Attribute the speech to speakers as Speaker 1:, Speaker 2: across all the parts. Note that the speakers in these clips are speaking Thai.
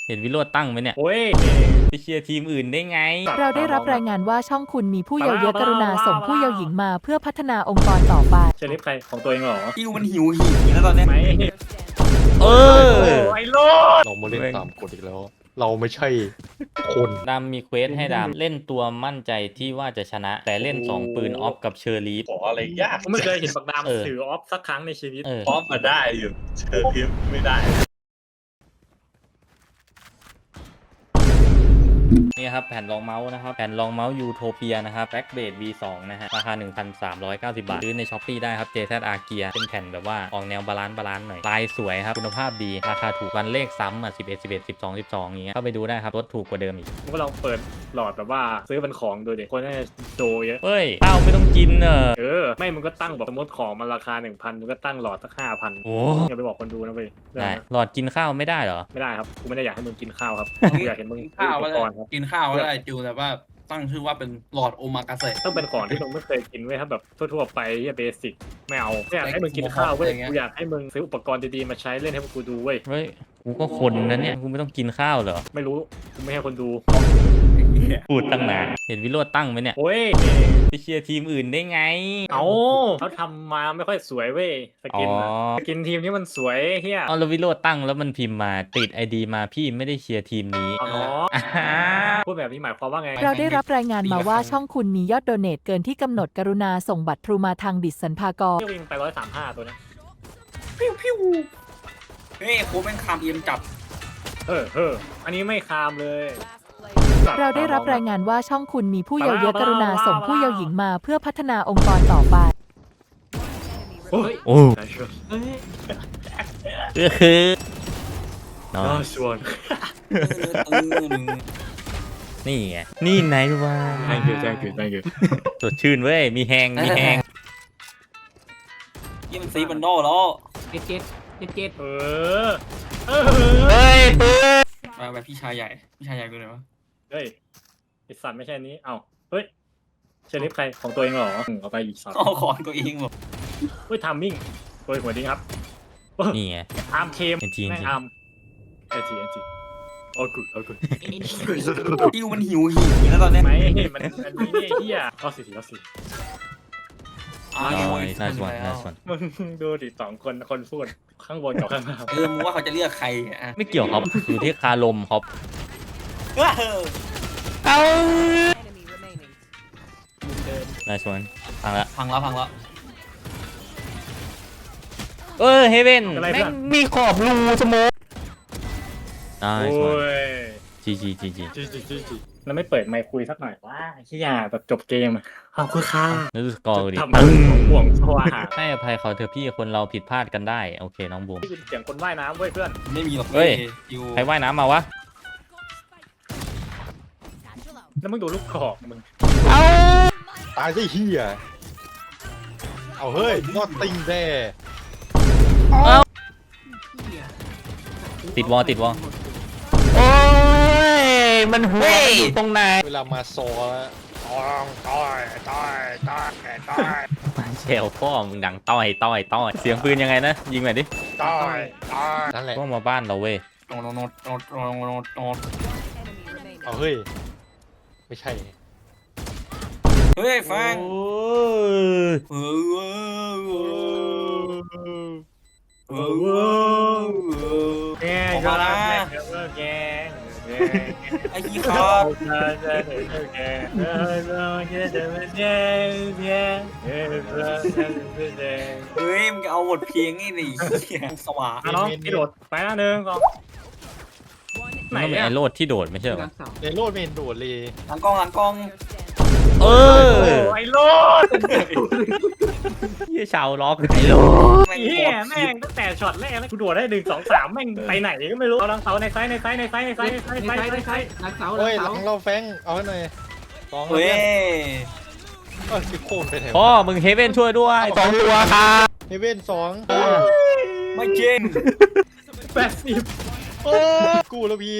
Speaker 1: เห็นวิโรจน์ตั้งไหมเนี่ย
Speaker 2: โอ้ย
Speaker 1: ไปเชียร์ทีมอื่นได้ไง
Speaker 3: เราได้รับรายงานว่าช่องคุณมีผู้เยาว์เยอะกรุณาส่งผู้เยาว์หญิงมาเพื่อพัฒนาองค์กรต่อไป
Speaker 2: เชลิฟใครของตัวเองเหรอ
Speaker 4: อิวมันหิวแล้วตอนเนี้ย
Speaker 2: ไหม
Speaker 1: เออ
Speaker 2: ไอ้โลด
Speaker 5: เรามาเล่นตามกฎอีกแล้ว เราไม่ใช่คน
Speaker 1: ดำมีเควสให้ดำเล่นตัวมั่นใจที่ว่าจะชนะ แต่เล่น2ปืนออฟกับเชอร์ลีฟ
Speaker 6: ขออะไรยาก
Speaker 2: ผมไม่เคยเห็นปากดาม
Speaker 1: เออ
Speaker 2: ถือออฟสักครั้งในชีวิต
Speaker 6: พร้อมมาได้อยู่เชิญพิมพ์ไม่ได้
Speaker 1: นี่ครับแผ่นรองเมาส์นะครับแผ่นรองเมาส์ยูโทเปียนะครับแบ็กเบด V2 นะฮะราคา 1,390 บาทซื้อในช้อปปีได้ครับ JZR Gear เป็นแผ่นแบบว่าออกแนวบาลานซ์หน่อยลายสวยครับคุณภาพดีราคาถูกวันเลขซ้ำอ่ะ11 11 12 12อย่างเงี้ยเข้าไปดูได้ครับลดถูกกว่าเดิมอีก
Speaker 2: ผมก็ลองเปิดหลอดแบบว่าซื้อเป็นของดูดิคนน่าจะโจเยอะ
Speaker 1: เฮ้ยข้าวไม่ต้องกินเนอะ
Speaker 2: ไม่มึงก็ตั้งแบบสมมติของมันราคา 1,000มึงก็ตั้งหลอดสัก5,000
Speaker 1: โอ้
Speaker 2: อย่าไปบอกคนดูนะเว้ย
Speaker 1: ได้หลอดกินข้าวไม่ได้เหรอ
Speaker 2: ไม่ได้ครับกูไม่ได้อยากให้มึงกินข้าวครับกูอยากเห็นมึง
Speaker 4: กินข้าว
Speaker 2: อุ
Speaker 4: ก็
Speaker 2: ป
Speaker 4: ได้
Speaker 2: กรณ์ครับ
Speaker 4: กินข้าวก็ได้จิวแต่ว่าตั้งชื่อว่าเป็นหลอดโอมากาเสะ
Speaker 2: ต้องเป็นของที่มึงไม่เคยกินเว้ยถ้าแบบทั่วๆไปเบสิกไม่เอาไม่อยากให้มึงกินข้าวเว้ยกูอยากให้มึงซื้ออุปกรณ์ดีๆมาใช้เล่นให้พวกกูดูเว้ย
Speaker 1: เฮ้ยกูก็คนนะเนี่ยกูไม่ต้องกินข้าวเหรอ
Speaker 2: ไม่รู้กูไม่ให้คนดู
Speaker 1: พูดตั้งนานเห็นวิโรจน์ตั้งไหมเนี่ย
Speaker 2: โอ้ย
Speaker 1: ไปเชียร์ทีมอื่นได้ไง
Speaker 2: เอาเขาทำมาไม่ค่อยสวยเว้ยสกินอะ
Speaker 1: อ๋อ
Speaker 2: สกินทีมนี้มันสวยเฮีย
Speaker 1: เอาแล้ววิโรจน์ตั้งแล้วมันพิมพ์มาติดไอดีมาพี่ไม่ได้เชียร์ทีมนี้
Speaker 2: เอาเนาะ
Speaker 1: อ่าฮะ
Speaker 2: พูดแบบนี้หมายความว่าไง
Speaker 3: เราได้รับรายงานมาว่าช่องคุณมียอดโดเนทเกินที่กำหนดกรุณาส่งบัตรทรูมาทางดิสสันพากร
Speaker 2: เที่ยววิ่งไป135ตัวเนี้ย
Speaker 4: เฮ้ยโค้ชแม่งคามเอียมจับ
Speaker 2: อันนี้ไม่คามเลย
Speaker 3: เราได้รับรายงานว่าช่องคุณมีผู้เยาว์เยอะกรุณาส่งผู้เยาว์หญิงมาเพื่อพัฒนาองค์กรต่อไป
Speaker 2: โอ้ย
Speaker 1: โอ้ก็คือเนาะ
Speaker 2: ชวน
Speaker 1: นี่ไงนี่ไหนวะ
Speaker 2: thank you thank you thank you
Speaker 1: สดชื่นเว้ยมีแหงมีแหง
Speaker 4: ยี่มันซีบันโดแล้ว
Speaker 2: เออ
Speaker 1: เฮ้ยปืน
Speaker 4: มาแบบพี่ชายใหญ่กูเลยวะ
Speaker 2: เฮ้ยไอสัตว์ไม่ใช่อันนี้เอ้าเฮ้ยเชลิฟใครของตัวเองเหรอเอาไปอีกสัตว์
Speaker 4: เอาของตัวเองหมด
Speaker 2: เฮ้ยทามมิ่งตัวหัวดีครับ
Speaker 1: นี่ไง
Speaker 2: อาร์มเคม
Speaker 1: จริงๆ
Speaker 2: แม่งอาร์มเอจีโอ้กู
Speaker 4: อิวมันหิวแล้วตอนเนี้ย
Speaker 2: ไม่มันนี่เฮียเอาสิเอาสิ
Speaker 1: โอ้ยน่าสนน่าสน
Speaker 2: มึงดูดิ2 คนพูดข้างบนกับข้างล่าง
Speaker 4: มึงว่าเขาจะเลือกใครอ่ะ
Speaker 1: ไม่เกี่ยวครับอยู่ที่คารมครับ
Speaker 4: เอา
Speaker 1: น่าสนฟังละ
Speaker 4: พังแล้ว
Speaker 1: เฮเว่นแม่งมีขอบรูสโมกน่า
Speaker 2: โอ้
Speaker 1: สน
Speaker 2: ย
Speaker 1: จี
Speaker 2: แล้วไม่เปิดไมค์คุยสักหน่อยว่าขี้ยาแบบจบเกมขอบคุณค่ะ
Speaker 1: นึกสกอร์ดิ
Speaker 2: ทำให้ห่วงสว่าง
Speaker 1: ให้อภัยเขาเถอะพี่คนเราผิดพลาดกันได้โอเคน้องบูม
Speaker 2: ได้ยินเสียงคนว่ายน้ำเว้ยเพื่อน
Speaker 4: ไม่มีหรอก
Speaker 1: เฮ้ย
Speaker 4: อิว
Speaker 1: ใครว่ายน้ำมาวะ
Speaker 2: แล้วมึงดูลูกกรอกมึง
Speaker 5: ตายซะเฮียเอาเฮ้ยนอตติงแด่
Speaker 1: ติดวอโอ้ยมันหัวอยู่ตรงไหน
Speaker 5: เวลามาซอแล้วต้อย
Speaker 1: เชลพ่อมึงดังต้อยเสียงปืนยังไงนะยิงหน่อยดิ
Speaker 5: นั่นแหละ
Speaker 1: พวกมาบ้านเราเว้ย
Speaker 4: โนด
Speaker 5: เอาเฮ้ยไม่ใช่
Speaker 4: เฮ้ยแฟง
Speaker 1: โอ้ย
Speaker 2: แก
Speaker 4: ออกมานะ
Speaker 2: แก
Speaker 4: ไอ้ยี่ครับ เฮ้ยมึงจะเอาบทเพลงนี่ดิเหี้ยสว่าง
Speaker 2: น้องที่โดดไปนะ1 2ไหน
Speaker 1: มันเป็น
Speaker 2: เนี่ย
Speaker 1: ไอโรดที่โดดไม่ใช่เหรอ
Speaker 5: ในโลดไม่เห็นโดดเลย
Speaker 4: หลังกล้อง
Speaker 1: เออ
Speaker 2: ไอ้โลด
Speaker 1: ยี่ชาวล็อกไอโรด
Speaker 4: แม่ง
Speaker 2: เฮี
Speaker 4: โค
Speaker 2: ย
Speaker 4: ตร
Speaker 2: แม่งตั้งแต่ช็อตแรกแล้วกูโดดได้1 2 3แม่งไปไหนก็ไม่รู้เอาลังเสาในไซส์
Speaker 5: เฮ้ยหลังเราแฟงเอาให้หน่อยสอง
Speaker 4: เฮ้ย
Speaker 5: สิโคตรไปแถว
Speaker 1: พ่อมึงเฮเว่นช่วยด้วย2 ตัวครับ
Speaker 5: เฮเว่น2
Speaker 4: ไม่จริง
Speaker 2: 80
Speaker 5: โอ้กูแล้วพี่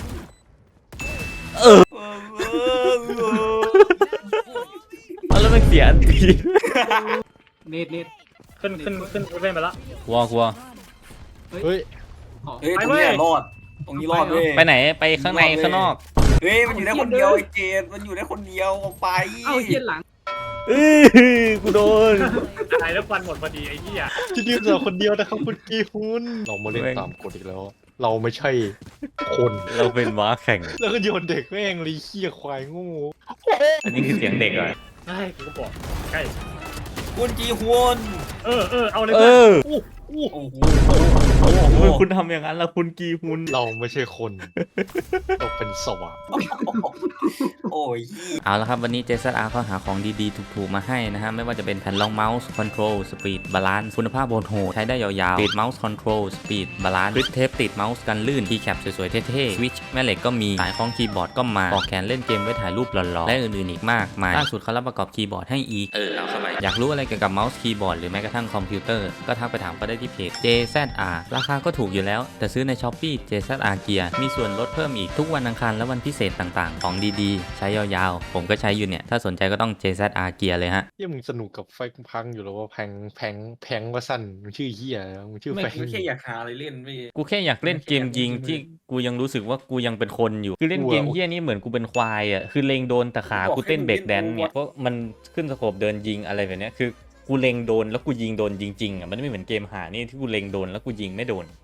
Speaker 1: แล้วมันเสียอันตี
Speaker 2: เน็ตขึ้นเล่นไปละ
Speaker 1: กลัว
Speaker 5: เฮ้ย
Speaker 4: เฮ้ยตรงนี้รอดตรงนี้รอดเว้ย
Speaker 1: ไปไหนไปข้างในข้างนอก
Speaker 4: เฮ้ยมันอยู่ได้คนเดียวไอ้เจดมันอยู่ได้คนเดียวออกไป
Speaker 7: เอ้าเฮียหลัง
Speaker 1: กูโดน
Speaker 2: ตายแล้วฟันหมดพอดีไอ้เหี้ย
Speaker 5: ที่ยืนเราคนเดียวนะครับคุณกีฮุนเรามาเล่นตามกฎอีกแล้ว เราไม่ใช่คน
Speaker 1: เราเป็นม้าแข่ง
Speaker 5: แล้วก็โยนเด็กแม่งเลยเหี้ยควายโงู
Speaker 1: อันนี้คือเสียงเด็กเหรอ
Speaker 2: ใช่กูก็บอกใช่
Speaker 4: คุณจีฮวน
Speaker 2: เอาเลย
Speaker 1: เออ
Speaker 4: โอ้โห
Speaker 1: ทำไมคุณทำอย่างนั้นล่ะคุณกีฮุน
Speaker 5: เราไม่ใช่คนเราเป็นสวะ
Speaker 4: โอ้ย
Speaker 1: เอาละครับวันนี้ JZR เขาหาของดีๆถูกๆมาให้นะฮะไม่ว่าจะเป็นแผ่นรองเมาส์คอนโทรลสปีดบาลานซ์คุณภาพโหดๆใช้ได้ยาวๆติดเมาส์คอนโทรลสปีดบาลานซ์กริปเทปติดเมาส์กันลื่นคีย์แคปสวยๆเท่ๆสวิตช์แม่เหล็กก็มีสายคล้องคีย์บอร์ดก็มาปลอกแขนเล่นเกมไว้ถ่ายรูปหล่อๆและอื่นๆอีกมากมายล่าสุดเขารับประกอบคีย์บอร์ดให้อีกเอาเข้าไปอยากรู้อะไรเกี่ยวกับเมาส์คีย์บอร์ดหรือแม้กระทั่งคอมพิวเตอร์ก็ทักไปถามเขาได้ที่เพจ JZR ราคาก็ถูกอยู่แล้วแต่ซื้อใน Shopee JZR Gear มีส่วนลดเพิ่มอีกทุกวันอังคารและวันพิเศษต่างๆของดีๆใช้ยาวๆผมก็ใช้อยู่เนี่ยถ้าสนใจก็ต้อง JZR Gear เลยฮะ
Speaker 5: เหี้ยมึงสนุกกับไฟพังอยู่แล้วว่าแพงว่าสั้นมึงชื่อเหี้ยมึงชื่อ
Speaker 4: ไม่
Speaker 5: แฟง
Speaker 4: แค่อยากหาอะไรเล่นไม่
Speaker 1: กูแค่อยากเล่นเกมยิงที่กูยังรู้สึกว่ากูยังเป็นคนอยู่คือเล่นเกมเฮี้ยนี่เหมือนกูเป็นควายอ่ะคือเล็งโดนแต่ขากูเต้นเบรกแดนซ์เนี่ยเพราะมันขึ้นสโคปเดินยิงอะไรแบบเนี้ยคือกูเล็งโดนแล้วกูยิงโดนจริงๆอ่ะมันไม่เหมือนเกมหานี่ที่กูเล็งโดนแล้วกูยิงไม่โดน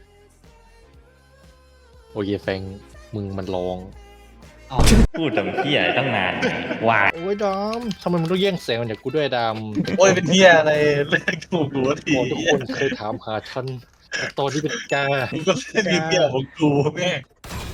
Speaker 5: โอเคแฟงมึงมันร้อง
Speaker 1: พูดทำเฮี้ยตั้งนานวาย
Speaker 5: โอ้ยดอมทำไมมึงต้องแย่งแสงจากกูด้วยดำ
Speaker 6: โอ้ยเป็นเที่ยอะไรเล่นถูกหัวที
Speaker 5: ทุกคนเคยถามหาฉันตอนที่เป็นกา
Speaker 6: มึงก็เล่นดีเที่ยของกูแม่ง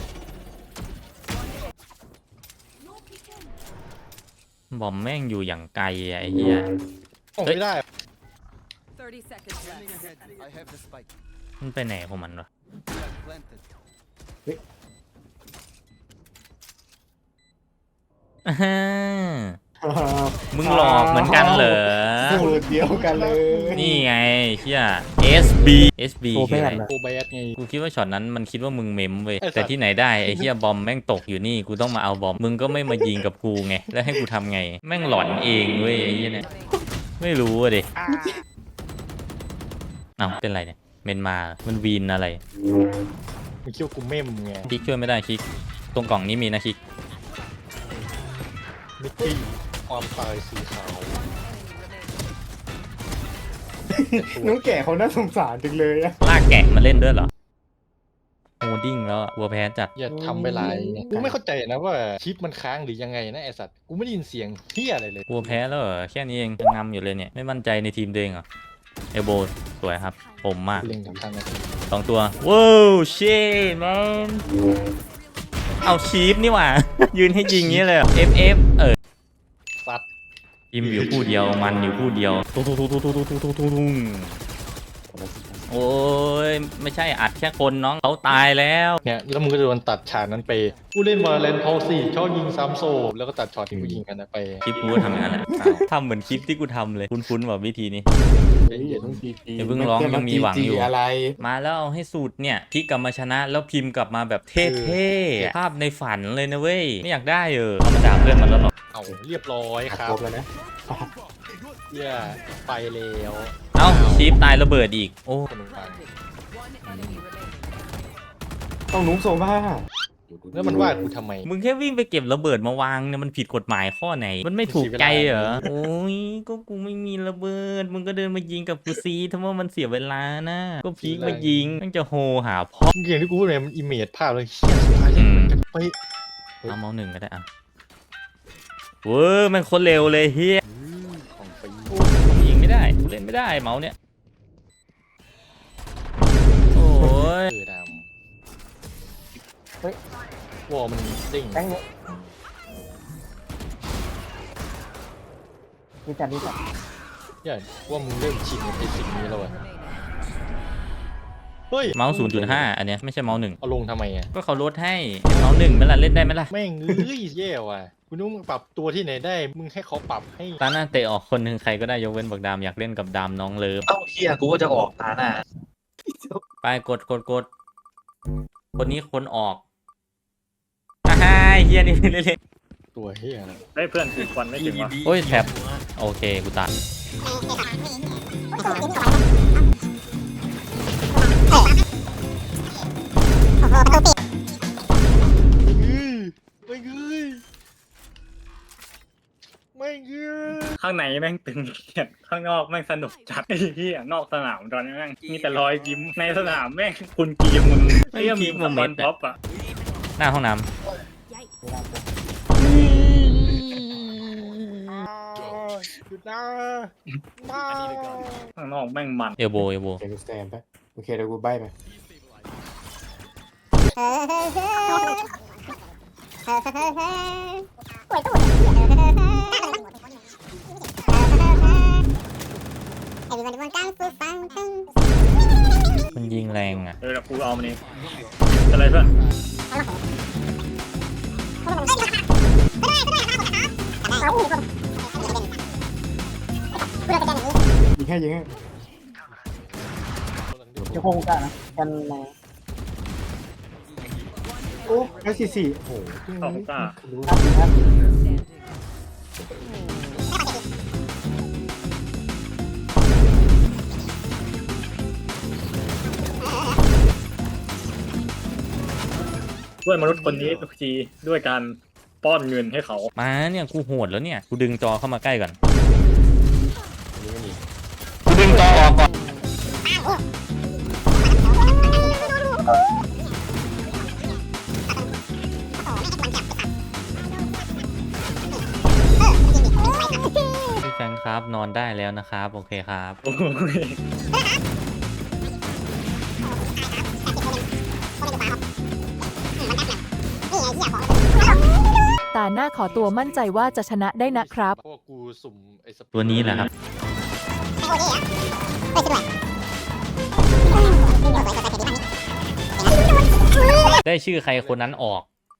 Speaker 1: บอมแม่งอยู่อย่างไกลอ่ะไอ้เหี้ย
Speaker 5: ออกไม่ได้
Speaker 3: 30 seconds left.
Speaker 1: มันไปไหนของมันวะอ่ามึงหลอกเหมือนกันเหรอ
Speaker 8: สูตรเดียวกันเลย
Speaker 1: นี่ไงเฮีย SB คืออะไร
Speaker 5: โอแบดไง
Speaker 1: กูคิดว่าช็อตนั้นมันคิดว่ามึงเมมเว้ย
Speaker 5: ไอ้สัตว์
Speaker 1: แต่ที่ไหนได้ไอ้เฮียบอมแม่งตกอยู่นี่กูต้องมาเอาบอมมึงก็ไม่มายิงกับกูไงแล้วให้กูทำไง แม่งหลอนเองเว้ยไอ้เฮียเนี่ยไม่รู้อะดิเอ้าเป็นไรเนี่ยเมนมามันวีนอะไร
Speaker 5: มึงคิดว่ากูเม่มไง
Speaker 1: คลิกช่วยไม่ได้คลิกตรงกล่องนี้มีนะคลิก
Speaker 5: มิตตี้ความตายสีขาว
Speaker 8: น้องแก่เขาน่าสงสารจังเลยอะ
Speaker 1: ลากแกะมาเล่นด้วยเหรอโฮดิ้งแล้วอะวัวแพ้จัด
Speaker 5: อย่าทำไปหลายกูไม่เข้าใจนะว่าชิปมันค้างหรือยังไงนะไอสัตว์กูไม่ได้ยินเสียงเฮียอะไรเลย
Speaker 1: วัวแพ้แล้วเหรอแค่นี้เองยังงำอยู่เลยเนี่ยไม่มั่นใจในทีมตัวเองเหรอเอลโบสวยครับผมมาก
Speaker 5: เล็งกับทางนาที
Speaker 1: 2 ตัวว้าวเช่แมนเอาชีฟนี่หว่า ยืนให้ยิงงี้เลยเหรอ FF
Speaker 5: สัตว์
Speaker 1: ทีมอยู่คู่เดียวมันอยู่คู่เดียวตุ้งโอ้ยไม่ใช่อัดแค่คนน้องเขาตายแล้ว
Speaker 5: เนี่ยแล้วมึงก็โดนตัดฉากนั้นไปกูเล่นวอลเลนพอสี่ชอบยิงซ้ำโซแล้วก็ตัดช็อตที่กูยิงกันนะไป
Speaker 1: คลิปกูก็ทำอย่างนั้นแหละทำเหมือนคลิปที่กูทำเลยคุ้นๆแบบวิธีนี้
Speaker 8: อย่าต้องจีจี
Speaker 1: อย่าเพิ่งร้องยังมีหวังอยู่
Speaker 8: อะไร
Speaker 1: มาแล้วเอาให้สูตรเนี่ยคลิกกลับมาชนะแล้วพิมพ์กลับมาแบบเท่ๆภาพในฝันเลยนะเว้ยไม่อยากได้ธรรมดาเพื่อนมันแล้วหรอก
Speaker 5: เอาเรียบร้อยครับ
Speaker 8: ครบแล้วนะ
Speaker 5: เฮียไปแล้ว
Speaker 1: เอ้าชีฟตายระเบิดอีกโอ้
Speaker 5: สนุกมาก
Speaker 8: ต้องนุ้งโซบ้า
Speaker 5: แล้วมันว่ากูทำไม
Speaker 1: มึงแค่วิ่งไปเก็บระเบิดมาวางเนี่ยมันผิดกฎหมายข้อไหน มันไม่ถูกใจเหรอโอ้ยก็กูไม่มีระเบิดมึงก็เดินมายิงกับกูซีทำไมมันเสียเวลานะก็พีกมายิงมันจะโหหาพ่อ
Speaker 5: อย่างที่กูพูดเลยมันอิเมจภาพเลยเฮียสุดท้ายเลยเหมือนกันไป
Speaker 1: เอาเมาส์หนึ่งก็ได้อ่ะเว้ยมันคนเร็วเลยเฮีย
Speaker 5: ของฟรี
Speaker 1: ยิงไม่ได้เล่นไม่ได้เมาส์เนี่ยโอ้ย
Speaker 5: ดำวอลมันเด้ง
Speaker 8: แป้งเนี่ยนี่จัดนี่จัด
Speaker 5: เนี่ยว่ามึงเริ่มชินกับไอ้สิ่งนี้แล้วอะเฮ้ย
Speaker 1: เมาส์ 0.5 อันเนี้ยไม่ใช่เมาส์หนึ่ง
Speaker 5: เอาลงทำไมอ่ะ
Speaker 1: ก็เขาลดให้เมาส์หนึ่งไหมล่ะเล่นได้ไหมล่ะ
Speaker 5: แม่งเอ้ยแย่ว่ะกูนึกว่ามึงปรับตัวที่ไหนได้มึงให้เขาปรับให้
Speaker 1: ตาหน้าเตะออกคนหนึ่งใครก็ได้ยกเว้นบักดามอยากเล่นกับดามน้องเลิฟ
Speaker 6: เอ้าเที่ยกูก็จะออกตาหน้า
Speaker 1: ไปกดคนนี้คนออกอ่าฮะเฮียนี่เล่น
Speaker 5: ตัวเฮียอะไร
Speaker 2: ได้เพื่อนคือควันไม่ถึงวะ
Speaker 1: โอ้ยแท็บโอเคกูตัด
Speaker 5: ไม่เงยไม่เงย
Speaker 2: ข้างในแม่งตึงเครียดข้างนอกแม่งสนุกจัดไอ้เหี้ยนอกสนามตอนนี้แม่งมีแต่รอยยิ้มในสนามแม่งคุณกีมมึงไอ้เหี้ยมีสปอนท็อปอ่ะ
Speaker 1: หน้าห้องน้
Speaker 5: หยุดนะมา
Speaker 2: ข้างนอกแม่งมัน
Speaker 1: ำเอลโบเอลโบ
Speaker 8: เดี๋ยวกูสแตนไปโอเคเดี๋ยวกูใบไป
Speaker 1: มันยิงแรงอ่ะ
Speaker 2: เดี๋ยวกูเอามันเองอะไรเพื่อน
Speaker 8: ยิงให้ยิงให้
Speaker 7: จะคงกันนะกันมา
Speaker 8: โอ้แล้ว44โอ้โห
Speaker 2: สองตา
Speaker 8: รู้
Speaker 7: ครับ
Speaker 2: ด้วยมนุษย์คนนี้ทุกทีด้วยการป้อนเงินให้เขา
Speaker 1: มาเนี่ยกูโหดแล้วเนี่ยกูดึงจอเข้ามาใกล้ก่อน
Speaker 5: นี่ไม่มี
Speaker 1: กูดึงจอออกก่อน พี่แฟงครับนอนได้แล้วนะครับโอเคครับ
Speaker 2: โอ้ย
Speaker 3: ตาหน้าขอตัวมั่นใจว่าจะชนะได้นะครับ
Speaker 5: เพราะว่ากูสุ่มไอ้ส
Speaker 1: ตัวนี้แหละครับ ได้ชื่อใครคนนั้นออก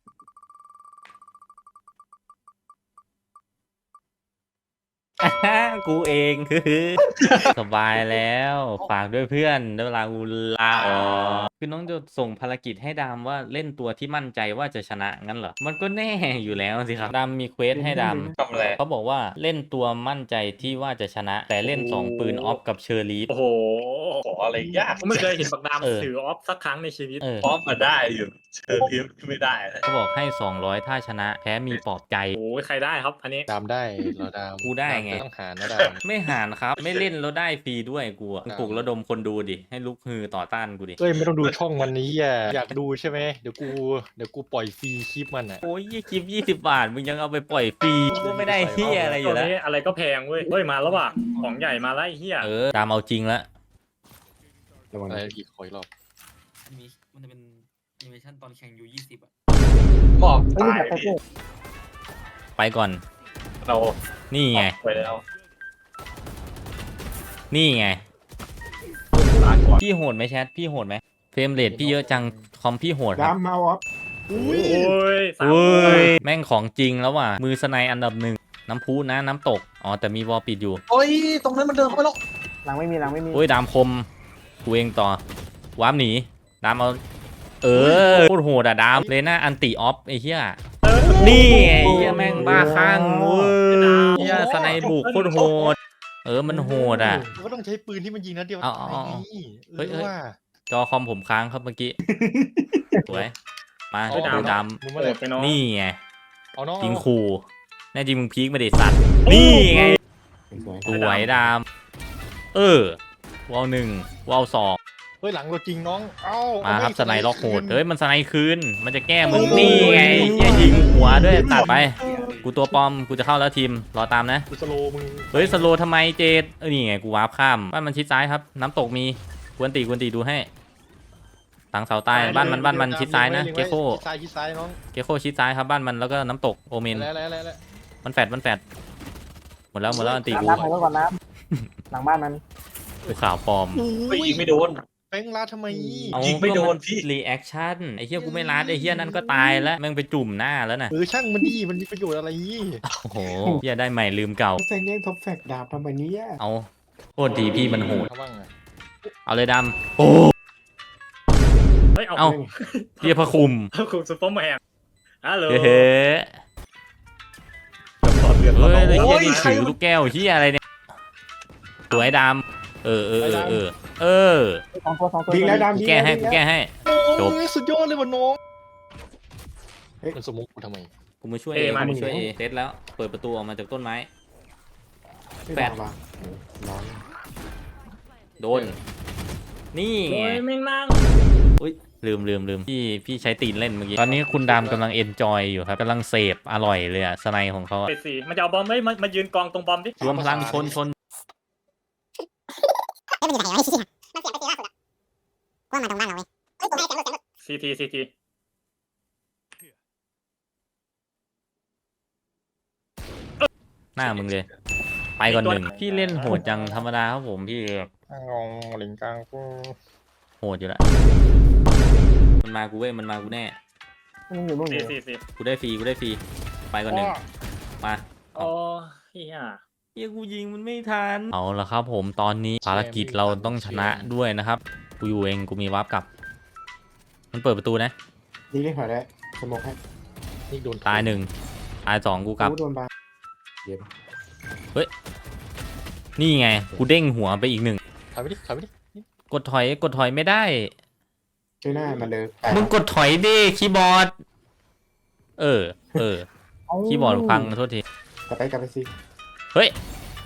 Speaker 1: กูเอง สบายแล้วฝากด้วยเพื่อนได้เวลากูลาออกคือน้องจะส่งภารกิจให้ดามว่าเล่นตัวที่มั่นใจว่าจะชนะงั้นเหรอมันก็แน่อยู่แล้วสิครับดามมีเควสให้ดาม
Speaker 6: ทำอะไร
Speaker 1: เขาบอกว่าเล่นตัวมั่นใจที่ว่าจะชนะ แต่เล่น2ปืนออฟกับเชอร์ลีฟ
Speaker 2: โอ้โห
Speaker 6: ขออะไรยาก
Speaker 2: ผมไม่เคยเห็นปากดาม
Speaker 1: เออ
Speaker 2: ถือออฟสักครั้งในชีวิต
Speaker 1: เ
Speaker 6: พร้อมมาได้อยู่เชิญพิมไม่ได้เลย
Speaker 1: เขาบอกให้ 200 ถ้าชนะแพ้มีปลอบใจ
Speaker 2: โอ้ยใครได้ครับอันนี้
Speaker 5: ดามได้เราดาม
Speaker 1: กูได้ไง
Speaker 5: ต้องหานะดาม
Speaker 1: ไม่หารครับ ไม่เล่นแล้วได้ฟรีด้วยกูอะปลุกระดมคนดูดิ ให้ลุกฮือต่อต้านกูดิ
Speaker 5: เอ้ยไม่ต้องดูช่องมันนี้อ่ะอยากดูใช่ไหมเดี๋ยวกูปล่อยฟรีคลิปมันอ่ะ
Speaker 1: โอ้ยคลิป20 บาท มึงยังเอาไปปล่อยฟรีก็ไม่ได้เฮียอะไรอ
Speaker 2: ตั
Speaker 1: ยู่
Speaker 2: ว
Speaker 1: แล้ว
Speaker 2: นี้อะไรก็แพงเว้ยเฮ้ยมาแล้วว่ะของใหญ่มาแล้วไอ้เหี้ย
Speaker 1: ตามเอาจริงละ
Speaker 8: ระวัง
Speaker 5: อะไร
Speaker 8: นะ
Speaker 5: อีกขออีกรอบ
Speaker 4: มันจะเป็นแอนิเมชั่นตอนแข่งอยู่20อ่ะ
Speaker 6: หมอบ
Speaker 7: ไม่
Speaker 6: ตาย
Speaker 7: มีแบบ
Speaker 6: พี่
Speaker 1: ไปก่อน
Speaker 6: เรา
Speaker 1: นี่ไง
Speaker 6: ไปแล้ว
Speaker 1: นี่ไง
Speaker 6: ลาก่อน
Speaker 1: พี่โหดไหมแชท พี่โหดไหมเฟรมเรทพี่เยอะจัง คอมพี่โหดค
Speaker 8: ดา
Speaker 1: รับ
Speaker 8: มเมาออฟ
Speaker 2: โอ้ยสาม
Speaker 1: อุ้
Speaker 2: คน
Speaker 1: ย แม่งของจริงแล้วว่ะ มือสไนอันดับหนึ่ง น้ำพุนะ น้ำตก อ๋อ แต่มีวอลปิดอยู่
Speaker 6: โอ้ยตรงนั้นมันเดินเข้าไปแล้ว
Speaker 7: หลังไม่มีหลังไม่มี
Speaker 1: โอ้ย ดามคมกูเองต่อ วาร์ปหนี ดามเอา โคตรโหดอะดามเลน่าอันติออฟไอ้เหี้ย นี่ไงไอ้เหี้ยแม่งบ้าคลั่งเว้ยเหี้ยสไนบุกโคตรโหด มันโหดอ่ะ
Speaker 5: มันก็ต้องใช้ปืนที่มันยิงนัดเดียว
Speaker 1: เอา
Speaker 5: ตายนี่
Speaker 1: เฮ้ย
Speaker 5: ว่า
Speaker 1: จอคอมผมค้างครับเมื่อกี้ สวย มา
Speaker 2: เฮ้ยดาว
Speaker 1: ดูด
Speaker 5: มึง
Speaker 2: เปิ
Speaker 5: มาเลย
Speaker 2: ดไปน้อง
Speaker 1: ำนี่ไง
Speaker 5: เอาน้อง
Speaker 1: จริงคูแน่จริงมึงพีคมาเด็ดสัตว์ นี่ไง
Speaker 8: สวย
Speaker 1: สวยดามวอล1วอล2
Speaker 5: เฮ้ยหลังเราจริงน้องเอ้า
Speaker 1: มาครับ
Speaker 5: เอ
Speaker 1: สไนล็อกโหด เฮ้ย มันสไนคืน มันจะแก้มึง
Speaker 5: โอ้ย
Speaker 1: นี่ไงเหี้ยยิงหัวด้วย ตัดไป กูตัวปลอม กูจะเข้าแล้วทีม รอตามนะ
Speaker 5: กูสโลว์มึง
Speaker 1: เฮ้ย สโลว์ทำไมเจดนี่ไง กูวาร์ปข้าม บ้านมันชิดซ้ายครับ น้ำตกมี กวนตีดูให้หลังเสาใต้บ้านมันชิดซ้ายนะ เกโค
Speaker 5: ชิดซ้ายน้อง
Speaker 1: เกโคชิดซ้ายครับบ้านมันแล้วก็น้ำตกโอเมน
Speaker 5: แล้ว
Speaker 1: มันแฟดหมดแล้วอันตีกู
Speaker 7: น้ำไปก่อนน้ำหลังบ้านมัน
Speaker 1: กูข่าวปลอม
Speaker 6: ไปยิงไม่โดน
Speaker 5: แป้งลาดทำไม
Speaker 1: เอา
Speaker 6: ยิงไม่โดนพี่
Speaker 1: รีแอคชั่นไอ้เหี้ยกูไม่รัดไอ้เหี้ยนั่นก็ตายแล้วแม่งไปจุ่มหน้าแล้วน่ะ
Speaker 5: ช่างมันดีมันมีประโยชน์อะไร
Speaker 1: โอ้โหเหี้ยได้ใหม่ลืมเก่า
Speaker 8: แฟงแย่งท็อปแฟกดาบทำไมเนี้ย
Speaker 1: เอาโคตรดีพี่มันโหด
Speaker 5: เขาบ้างอะ
Speaker 1: เอาเลยดำโอ้
Speaker 2: เฮ้ยเอา
Speaker 1: เอาเหี้ยพระคุม
Speaker 2: คุณซุปเปอร์แมนฮัลโหล
Speaker 1: เฮ้ย
Speaker 6: เกือบต่อเดือน
Speaker 1: เฮ้ยไอ้
Speaker 6: โอ้
Speaker 1: เหี้ย
Speaker 6: ย
Speaker 1: นี่
Speaker 6: ใคร
Speaker 1: ถือลูกแก้วเหี้ยอะไรเนี่ยสวยดเออ
Speaker 7: สองตัว
Speaker 8: ยิงแล้วดำ
Speaker 1: กู
Speaker 8: ยิง
Speaker 1: แก้ให้
Speaker 8: ล้ว
Speaker 1: กูแก้ให้ จบ
Speaker 5: โอ้ยสุดยอดเลยว่ะน้องมันสมมุติกูทำไม
Speaker 1: กูมาช่วยเอกูมาช่วยเอเซตแล้วเปิดประตูออกมาจากต้นไม้ แปด
Speaker 8: ว่ะน้อง
Speaker 1: โดน นี่
Speaker 2: โอ้
Speaker 1: ไง
Speaker 2: ยแม่งนั่ง
Speaker 1: อุ้ยลืมพี่ใช้ตีนเล่นเมื่อกี้ตอนนี้คุณดามกำลังเอนจอยอยู่ครับกำลังเสพอร่อยเลยอะสไนของเขาอะ
Speaker 2: เฟสสี่มันจะเอาบอมไม่มายืนกองตรงบอมดิ
Speaker 1: รวมพลังชน
Speaker 2: ซีที
Speaker 1: หน้ามึงเลย ไปก่อนหนึ่งพี่เล่นโหดจังธรรมดาครับผมพี่
Speaker 5: งงหลิงกลางกู
Speaker 1: โหดอยู่ละมันมากูเว้ยมันมากูแน่
Speaker 7: มันอยู่นู่นอยู่
Speaker 2: ซี
Speaker 1: กูได้ฟรีไปก่อนหนึ่งมา
Speaker 2: โอ้เฮีย
Speaker 1: เฮียกูยิงมันไม่ทันเอาละครับผมตอนนี้ภารกิจเราต้องชนะด้วยนะครับกูอยู่เองกูมีวาร์ปกลับ มันเปิดประตูนะ
Speaker 8: ยิงได้ถอยได้สมองให้
Speaker 5: นี่โดน
Speaker 1: ตายหนึ่งตายสองกูกลับ
Speaker 8: โดนบา
Speaker 1: นี่ไงกูเด้งหัวไปอีกหนึ่ง
Speaker 5: ถอยไปดิถอยไปดิ
Speaker 1: กดถอยไม่ได้
Speaker 8: ช่วยหน้ามันเลย
Speaker 1: มึงกดถอยดิคีย์บอร์ดเออคีย์บอร์ดพังโทษที
Speaker 8: กลับไปสิ
Speaker 1: เฮ้ย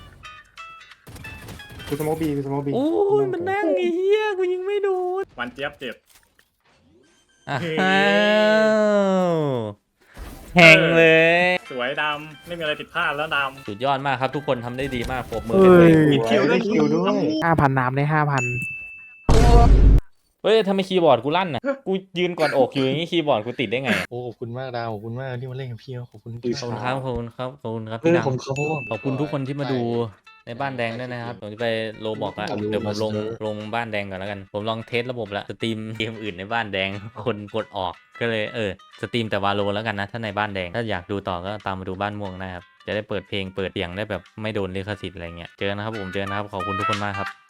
Speaker 8: กูสมองบี
Speaker 1: โอ้ยมันนั่งไอ้เหี้ยกูยิงไม่โดน
Speaker 2: วันเจี๊ยบเจ็บ
Speaker 1: อ้าวแหงเลย
Speaker 2: สวยดำไม่มีอะไรผิดพลาดแล้วด
Speaker 1: สุดยอดมากครับทุกคนทำได้ดีมากปรบมือให้ตัวเอง
Speaker 8: คิวด้วย
Speaker 7: 5,000 น้ำได้ 5,000
Speaker 1: เฮ้ยทำไมคีย์บอร์ดกูลั่นอ่ะกูยืนกอดอกอยู่อย่างนี้คีย์บอร์ดกูติดได้ไง
Speaker 5: โอ้ขอบคุณมากดาวขอบคุณมากที่มาเล่นกับพี่ขอบคุณ
Speaker 1: ขอบคุณครับขอบคุณครับ
Speaker 5: เอ
Speaker 1: พี่
Speaker 5: อ
Speaker 1: ดัง
Speaker 5: ผมเขา
Speaker 1: ขอบคุณทุกคนที่มาดูในบ้านแดงด้วยนะครับผมจะไปโลบอกละเดี๋ยวผมลงบ้านแดงก่อนแล้วกันผมลองเทสระบบละสตรีมเกมอื่นในบ้านแดงคนกดออกก็เลยสตรีมแต่วาโลแล้วกันนะถ้าในบ้านแดงถ้าอยากดูต่อก็ตามมาดูบ้านม่วงนะครับจะได้เปิดเพลงเปิดเสียงได้แบบไม่โดนลิขสิทธิ์อะไรเงี้ยเจอกันนะครับผมเจอกันนะครับขอบคุณทุกคนมากครับ